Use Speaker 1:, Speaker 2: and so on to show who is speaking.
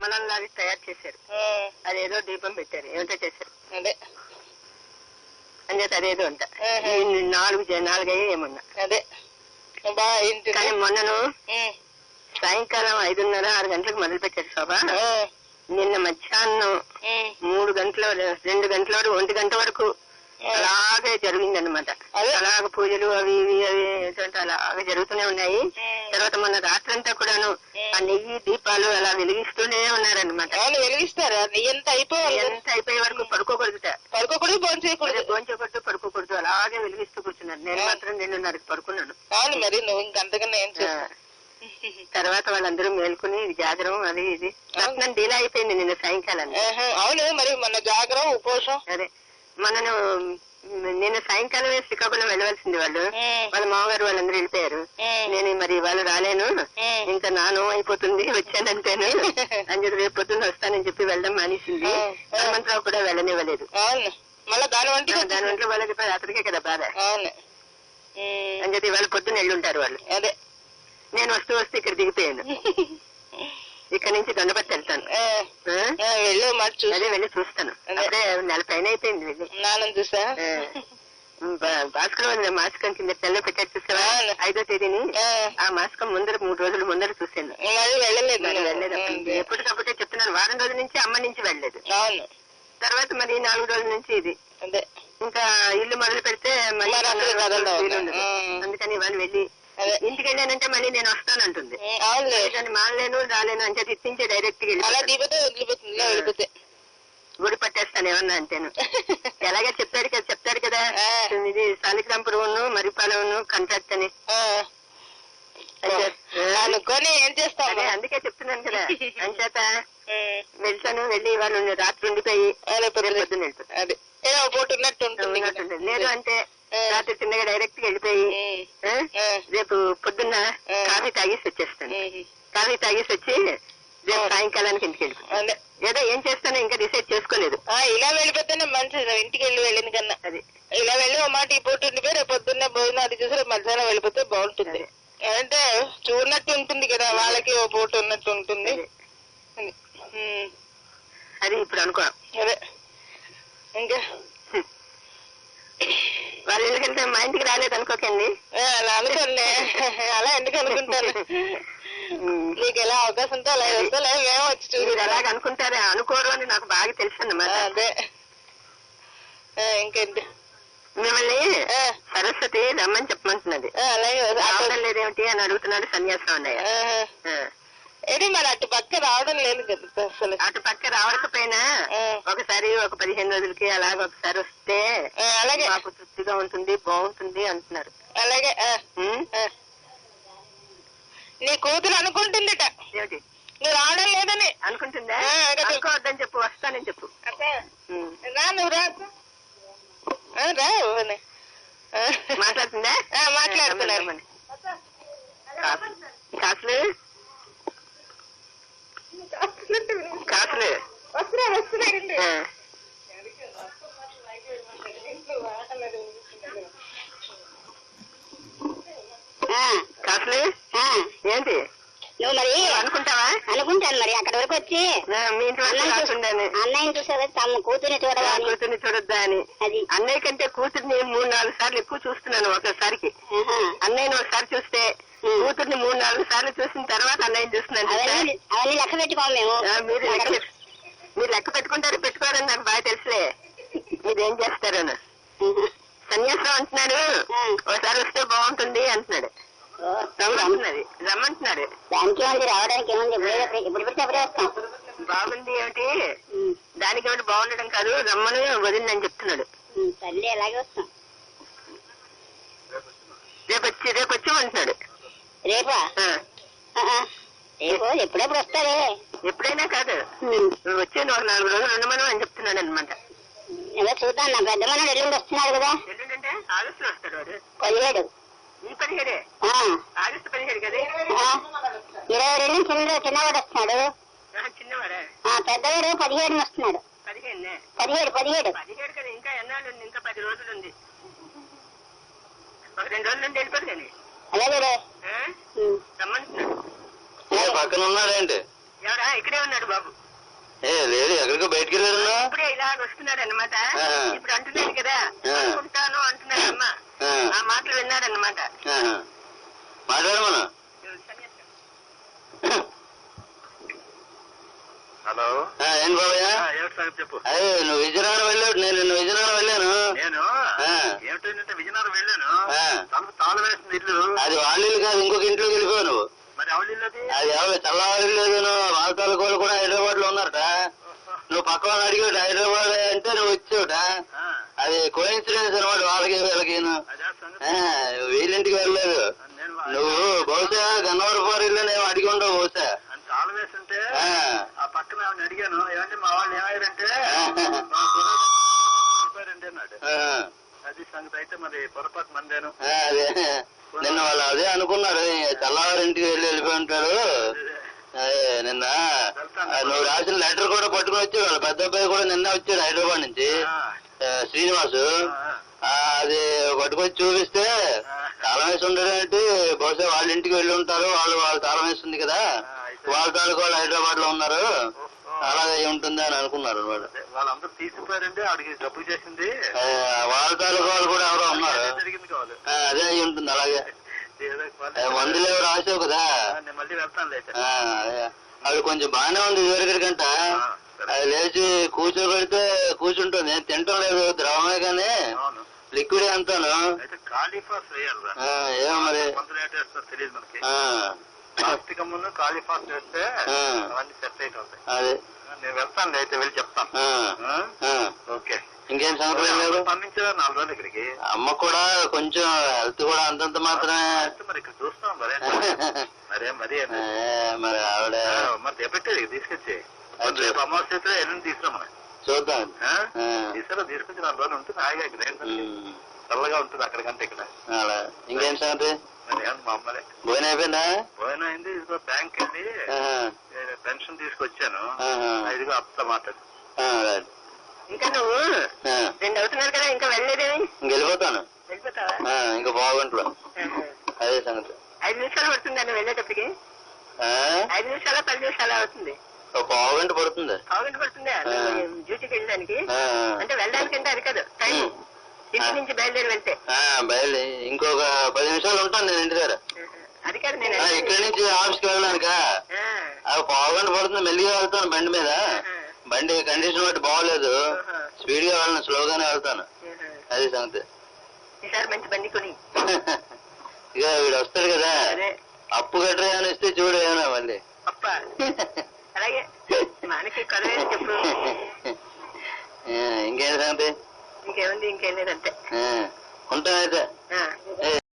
Speaker 1: మనల్లాగా తయారు చేశారు. అదేదో దీపం పెట్టారు, ఏమిటో చేశారు
Speaker 2: అదే
Speaker 1: అంచేత అదేదో అంట. 4 ఏమన్నా
Speaker 2: అదే
Speaker 1: కానీ మొన్నను సాయంకాలం 5:30, 6 గంటలకు మొదలు పెట్టారు శోభ. నిన్న మధ్యాహ్నం 3 గంటల 2 గంటల వరకు 1 గంట వరకు అలాగే జరిగిందనమాట. అలాగ పూజలు అవి ఇవి అవి ఏంటంటే అలాగే జరుగుతూనే ఉన్నాయి. తర్వాత మొన్న రాత్రంతా కూడాను ఆ నెయ్యి దీపాలు అలా వెలిగిస్తూనే ఉన్నారనమాట.
Speaker 2: వెలిగిస్తారు. ఎంత
Speaker 1: అయిపోయే వరకు పడుకోకూడదుట, భోంచేయకూడదు, పడుకోకూడదు, అలాగే వెలిగిస్తూ కూర్చున్నారు. నేను మాత్రం 2:30కి పడుకున్నాను.
Speaker 2: మరి నువ్వు ఇంకంతకన్నా ఏం
Speaker 1: తర్వాత వాళ్ళందరూ మేల్కొని జాగరం అది ఇది రత్నం డీలా అయిపోయింది నిన్న సాయంకాలం.
Speaker 2: అవును మరి మన జాగరం ఉపవాసం.
Speaker 1: అదే మనను నిన్న సాయంకాలమే శ్రీకాకుళం వెళ్ళవలసింది వాళ్ళు. వాళ్ళ మామగారు వాళ్ళందరూ వెళ్ళిపోయారు. నేను మరి వాళ్ళు రాలేను, ఇంకా నాను అయిపోతుంది వచ్చానంటేను అని చెప్పి రేపు పొద్దున్న వస్తానని చెప్పి వెళ్ళడం మానేసింది. హనుమంతరావు కూడా వెళ్ళనివ్వలేదు.
Speaker 2: మళ్ళీ దాని
Speaker 1: వంట్లో వాళ్ళకి అతడికే కదా బాధ అని చెప్పి వాళ్ళ పొద్దున్న వెళ్ళుంటారు వాళ్ళు.
Speaker 2: అదే
Speaker 1: నేను వస్తూ ఇక్కడ దిగిపోయాను. ఇక్కడ నుంచి దొండపత్తి వెళ్తాను. అదే వెళ్ళి చూస్తాను. అప్పుడే 4 నెలల పైన అయిపోయింది వెళ్ళి.
Speaker 2: చూసా
Speaker 1: భాస్కర్ మాసికం కింద తెల్ల పెట్టారు చూసావా 5వ తేదీని. ఆ మాసికం ముందర 3 రోజుల ముందర చూసాను. వెళ్ళలేదు. ఎప్పటికప్పుడే చెప్తున్నాను. వారం రోజుల నుంచి అమ్మ నుంచి వెళ్ళలేదు. తర్వాత మరి 4 రోజుల నుంచి ఇది. ఇంకా ఇల్లు మొదలు పెడితే మళ్ళీ అందుకని వాళ్ళు వెళ్ళి ఇంటికి వెళ్ళానంటే మళ్ళీ నేను వస్తానంటుంది. మానలేను రాలేను అని చెప్పి ఇప్పించే డైరెక్ట్ గా వెళ్ళిపోతే గుడి పట్టేస్తాను ఏమన్నా అంటేను. ఎలాగే చెప్తాడు కదా ఇది సాలిగ్రాంపురం మరిపాలెం కాంట్రాక్ట్ అని
Speaker 2: అనుకొని ఏం చేస్తాను.
Speaker 1: అందుకే చెప్తున్నాను కదా. అంచేత వెళ్తాను. వెళ్ళి వాళ్ళు రాత్రి ఉండిపోయి పొద్దున్న వెళ్తాను. లేదు అంటే రాత్రి చిన్నగా డైరెక్ట్ గా వెళ్ళిపోయి రేపు పొద్దున్న కాఫీ తాగేసి వచ్చేస్తాను. కాఫీ తాగేసి వచ్చి రేపు సాయంకాలానికి ఇంటికి వెళ్ళిపోతాను. ఏదో ఏం చేస్తానో ఇంకా డిసైడ్ చేసుకోలేదు.
Speaker 2: ఇలా వెళ్ళిపోతేనే మంచిది. ఇంటికి వెళ్ళింది కన్నా అది ఇలా వెళ్ళి ఒక మాట ఈ పూట ఉండిపోయి రేపు పొద్దున్నే భోజనం అది చూసి రేపు మధ్యాహ్నం వెళ్ళిపోతే బాగుంటుంది. అంటే చూడనట్టు ఉంటుంది కదా, వాళ్ళకి ఓ పూట ఉన్నట్టు ఉంటుంది.
Speaker 1: అది ఇప్పుడు అనుకో.
Speaker 2: అదే ఇంకా
Speaker 1: వాళ్ళు ఎందుకంటే మా ఇంటికి రాలేదు అనుకోకండి.
Speaker 2: అలా అనుకోండి. అలా ఎందుకు అనుకుంటారు? నీకు ఎలా అవకాశం ఉంటే అలా వస్తా, లేదా మేము వచ్చి చూసి
Speaker 1: అలాగ అనుకుంటారే. అనుకోరు అని నాకు బాగా తెలుసు అన్నమాట.
Speaker 2: అదే ఇంకేంటి
Speaker 1: మిమ్మల్ని సరస్వతి రమ్మని చెప్పమంటున్నది. రావడం లేదేమిటి అని అడుగుతున్నాడు సన్యాసం అన్నయ్య.
Speaker 2: ఏది మరి అటు పక్క రావడం లేదు కదా అసలు.
Speaker 1: అటు పక్క రావకపోయినా ఒకసారి ఒక 15 రోజులకి అలాగ ఒకసారి వస్తే అలాగే మాకు తృప్తిగా ఉంటుంది, బాగుంటుంది అంటున్నారు.
Speaker 2: అలాగే నీ కూతురు అనుకుంటుందిట
Speaker 1: ఏమిటి
Speaker 2: నువ్వు రావడం లేదని.
Speaker 1: అనుకుంటుందా? అనుకోవద్దని చెప్పు, వస్తానని చెప్పు.
Speaker 2: రా నువ్వు రా
Speaker 1: మాట్లాడుతుందా?
Speaker 2: మాట్లాడుతున్నాను.
Speaker 1: కాసులు కాసులు
Speaker 2: వస్తున్నారండి.
Speaker 1: కాసులు ఏంటి
Speaker 3: నువ్వు మరి
Speaker 1: అనుకుంటావా?
Speaker 3: అనుకుంటాను మరి అక్కడి వరకు వచ్చి
Speaker 1: మీ ఇంటి
Speaker 3: అన్నయ్యని చూసావా తమ కూతుర్ని
Speaker 1: చూడొద్దా అని. అన్నయ్య కంటే కూతుర్ని 3-4 సార్లు ఎక్కువ చూస్తున్నాను ఒకసారికి. అన్నయ్యని ఒకసారి చూస్తే కూతుర్ని 3-4 సార్లు చూసిన తర్వాత అన్నయ్యని చూస్తున్నాను.
Speaker 3: అవన్నీ లెక్క పెట్టుకోము మేము.
Speaker 1: మీరు లెక్క పెట్టుకోరని నాకు బాగా తెలుసులే. మీరేం చేస్తారని. సన్యాసం అంటున్నాడు, ఒకసారి వస్తే బాగుంటుంది అంటున్నాడు. రమ్మంటున్నాడు.
Speaker 3: దానికి ఏముంది, రావడానికి ఏముంది, ఇప్పుడు పెడితే అప్పుడే వస్తాం.
Speaker 1: బాగుంది ఏమిటి, దానికి ఏమిటి బాగుండడం కాదు, రమ్మని వదిలిందని చెప్తున్నాడు.
Speaker 3: తల్లి అలాగే వస్తాం.
Speaker 1: రేపు వచ్చామంటున్నాడు.
Speaker 3: రేపా? రేపు ఎప్పుడెప్పుడు వస్తారే.
Speaker 1: ఎప్పుడైనా కాదు, వచ్చే 4 రోజులు ఉండమను అని చెప్తున్నాడు అనమాట.
Speaker 3: ఏదో చూద్దాం. నా పెద్ద మనడు ఎల్లుండి వస్తున్నాడు కదా.
Speaker 1: ఎల్లుండంటే ఆగస్టులో వస్తాడు వాడు.
Speaker 3: 17.
Speaker 1: ఈ 17 ఆగస్టు 17 కదా.
Speaker 3: 22 చిన్నవాడు వస్తున్నాడు.
Speaker 1: చిన్నవాడా?
Speaker 3: పెద్దవాడు 17 వస్తున్నాడు. 17
Speaker 1: కదా. ఇంకా ఎన్నాళ్ళు ఉంది? ఇంకా 10 రోజులు ఉంది. ఒక 2 రోజుల నుండి వెళ్ళిపోదు కానీ.
Speaker 3: అలాగే
Speaker 1: రమ్మంటున్నాడు.
Speaker 4: పక్కన ఉన్నాడేంటి?
Speaker 1: ఎవరా? ఇక్కడే ఉన్నాడు బాబు.
Speaker 4: లేదు, ఎక్కడికో బయటికి వెళ్ళారన్నా.
Speaker 1: ఇప్పుడే ఇలాగ వస్తున్నాడు అనమాట. ఇప్పుడు అంటున్నాడు కదా అనుకుంటాను అంటున్నాడమ్మా. ఆ మాటలు విన్నాడన్నమాట.
Speaker 4: మాట్లాడమన్నా.
Speaker 5: హలో,
Speaker 4: ఏం బాబయ్య?
Speaker 5: ఏమిటి సంగతి చెప్పు.
Speaker 4: అదే నువ్వు విజయనగరం వెళ్ళావు, నేను విజయనగరం వెళ్ళాను.
Speaker 5: నేను ఏమిటంటే విజయనగరం వెళ్ళాను. తనకు తాళం వేసింది ఇల్లు.
Speaker 4: అది వాళ్ళ ఇల్లు కాదు, ఇంకొక ఇంట్లోకి వెళ్ళిపోయావు నువ్వు.
Speaker 5: మరి ఎవరి ఇల్లు అది?
Speaker 4: అది ఎవరు చల్లవారి లేదు. వాళ్ళ తాలూకోళ్ళు కూడా హైదరాబాద్ లో ఉన్నారట. నువ్వు పక్క వాళ్ళని అడిగాడు హైదరాబాద్ అంటే నువ్వు వచ్చావుట. అది కోఇన్సిడెన్స్ అనమాట వాళ్ళకి వీళ్ళకి. వీళ్ళింటికి వెళ్ళలేదు నువ్వు. బహుశా గన్నవరపారు ఇల్లు నేను అడిగి ఉండవు బహుశా.
Speaker 5: తాళం వేస్తుంటే ఆ పక్కన అడిగాను, ఏమంటే మా వాళ్ళు ఏమయ్యారంటే అన్నాడు. అది సంగతి. అయితే మరి పొరపాటు మందేను.
Speaker 4: అదే నిన్న వాళ్ళు అదే అనుకున్నారు, చల్లవారింటికి వెళ్ళిపోయి ఉంటారు. అదే నిన్న నువ్వు రాసిన లెటర్ కూడా పట్టుకుని వచ్చాడు. వాళ్ళ పెద్ద అబ్బాయి కూడా నిన్న వచ్చాడు హైదరాబాద్ నుంచి, శ్రీనివాసు. అది పట్టుకొచ్చి చూపిస్తే తాళం వేసి ఉండేటి. బహుశా వాళ్ళ ఇంటికి వెళ్ళి ఉంటారు. వాళ్ళు తాళం వేస్తుంది కదా, వాళ్ళ తాలూకు వాళ్ళు హైదరాబాద్ లో ఉన్నారు. అలాగే ఉంటుంది అని అనుకున్నారు అనమాట.
Speaker 5: వాళ్ళందరూ తీసుకుపోయారంటే అడిగి డబ్బు చేసింది.
Speaker 4: వాళ్ళ తాలూకు వాళ్ళు కూడా ఎవరో ఉన్నారు.
Speaker 5: జరిగింది కావాలి.
Speaker 4: అదే అయి ఉంటుంది. అలాగే మందులు ఎవరు రాసావు కదా.
Speaker 5: నేను మళ్ళీ వెళ్తాను.
Speaker 4: అది కొంచెం బాగానే ఉంది ఇదివరకంట. అది లేచి కూర్చోబెడితే కూర్చుంటుంది. నేను తింటం లేదు, ద్రవమే కానీ లిక్విడ్ అంతాను. ఏమో మరి
Speaker 5: తెలియదు మనకి. ప్లాస్టిక్ ముందు కాళీఫాస్ వేస్తే అవన్నీ సెట్ అయిపోతాయి.
Speaker 4: అదే
Speaker 5: నేను వెళ్తాను, అయితే వెళ్ళి చెప్తాను. ఓకే,
Speaker 4: ఇంకేం సంగతి లేదు.
Speaker 5: పంపించారు 4 రోజులు ఇక్కడికి.
Speaker 4: అమ్మ కూడా కొంచెం హెల్త్ కూడా అంతంత మాత్రమే.
Speaker 5: మరి ఇక్కడ చూస్తాం మరే మరి
Speaker 4: ఆవిడ
Speaker 5: మరి ఎప్పటి తీసుకొచ్చి రేపు అమావాస్య అయితే ఎల్లుండి తీసుకురామని
Speaker 4: చూద్దాం.
Speaker 5: తీసుకొచ్చి 4 రోజులు ఉంటుంది. హాయిగా ఇక్కడ చల్లగా ఉంటుంది అక్కడికంటే ఇక్కడ.
Speaker 4: అలా ఇంకేం సంగతి?
Speaker 5: మా అమ్మలే
Speaker 4: భోజనం అయిపోయిందా?
Speaker 5: భోజనం అయింది. ఇదిగో బ్యాంక్ వెళ్ళి పెన్షన్ తీసుకొచ్చాను. ఇదిగో అప్పతో మాట్లాడు.
Speaker 1: ఇంకా నువ్వు 2 అవుతున్నారు కదా, ఇంకా వెళ్ళలేదేమి?
Speaker 4: వెళ్ళిపోతాను.
Speaker 1: వెళ్ళిపోతావా?
Speaker 4: ఇంకా బాగుంట్లో. అదే సంగతి.
Speaker 1: 5 నిమిషాలు పడుతుందండి వెళ్ళేటప్పటికి. 5 నిమిషాల 10 నిమిషాలు అవుతుంది.
Speaker 4: పావుగంట పడుతుంది.
Speaker 1: పావుగంట పడుతుందా డ్యూటీకి వెళ్ళడానికి? అంటే వెళ్ళడానికి అంటే అది కాదు టైం, ఇంటి నుంచి బయలుదేరి వెళ్తే.
Speaker 4: బయలుదేరి ఇంకొక 10 నిమిషాలు ఉంటాను నేను ఇంటి దగ్గర.
Speaker 1: అది కాదు, నేను
Speaker 4: ఇక్కడి నుంచి ఆఫీస్కి వెళ్ళడానికా పావుగంట పడుతుంది. మెల్లిగా వెళ్తాను బండి మీద. బండి కండిషన్ బట్టి బాగోలేదు, స్పీడ్ గా వెళ్ళను, స్లోగానే వెళ్తాను. అది సంగతి.
Speaker 1: ఈసారి మంచి బండి కొని.
Speaker 4: ఇక వీడు వస్తాడు కదా, అప్పు గట్రా ఏమైనా ఇస్తే చూడు ఏమైనా మళ్ళీ.
Speaker 1: అప్ప అలాగే మనకి కదవేసి చెప్పు.
Speaker 4: ఇంకేం సంగతి?
Speaker 1: ఇంకేముంది, ఇంకేం లేదంటే
Speaker 4: ఉంటానైతే.